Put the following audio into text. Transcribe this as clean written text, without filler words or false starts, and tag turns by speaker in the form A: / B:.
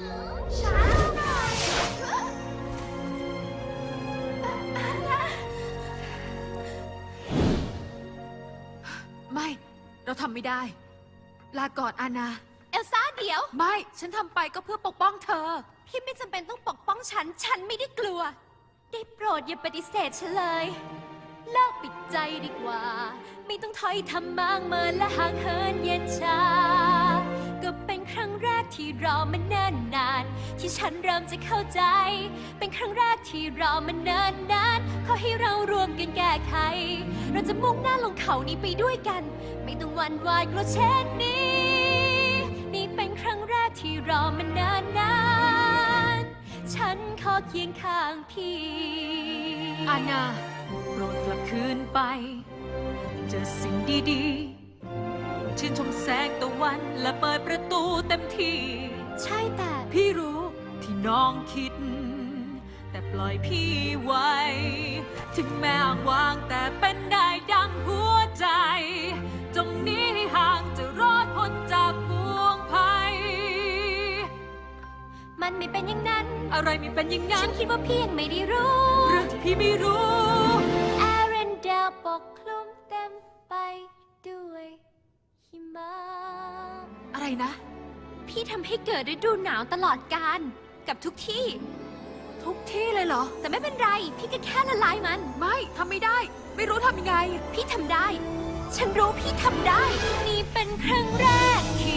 A: ช้าหน่อยอานา
B: ไม่ เราทำไม่ได้ ลาก่อนอานา
A: เอลซ่าเดี๋ยว
B: ไม่ ฉันทำไปก็เพื่อปกป้องเธอ
A: พี่ไม่จำเป็นต้องปกป้องฉัน ฉันไม่ได้กลัว ได้โปรดอย่าปฏิเสธฉันเลยเลิกปิดใจดีกว่า ไม่ต้องถอยทำมากเมินและห่างเหินเย็นชา ก็เป็นครั้งแรกที่รอมาเนิ่นนาน ที่ฉันเริ่มจะเข้าใจ เป็นครั้งแรกที่รอมาเนิ่นนานขอให้เรารวมกันแก้ไข เราจะมุ่งหน้าลงเขานี้ไปด้วยกัน ไม่ต้องหวั่นไหวกลัวเช่นนี้ นี่เป็นครั้งแรกที่รอมานานนานฉันขอเคียงข้างพี่
B: อาณาโปรดกลับคืนไป เจอสิ่งดีๆ ชื่นชมแสงตะวันและเปิดประตูเต็มที่
A: ใช่แต่
B: พี่รู้ที่น้องคิด แต่ปล่อยพี่ไว้ ถึงแม้อ้างว้างแต่เป็นได้ดังหัวใจ จงหนี้ให้ห่างจะรอดพ้นจากพวงภัย
A: มันไม่เป็นอย่างนั้น
B: อะไรไม่เป็นอย่างนั้
A: ฉั
B: น
A: นคิดว่าพี่ยังไม่ได้รู้
B: เรื่องที่พี่ไม่รู้
A: แอเรนเดลปกคลุมเต็มไปด้วยหิมะ
B: อะไรนะ
A: พี่ทำให้เกิดฤดูหนาวตลอดกาลกับทุกที่
B: ทุกที่เลยเหรอ
A: แต่ไม่เป็นไร พี่ก็แค่ละลายมัน
B: ไม่ทำไม่ได้ ไม่รู้ทำยังไง
A: พี่ทำได้ ฉันรู้พี่ทำได้ นี่เป็นครั้งแรกที่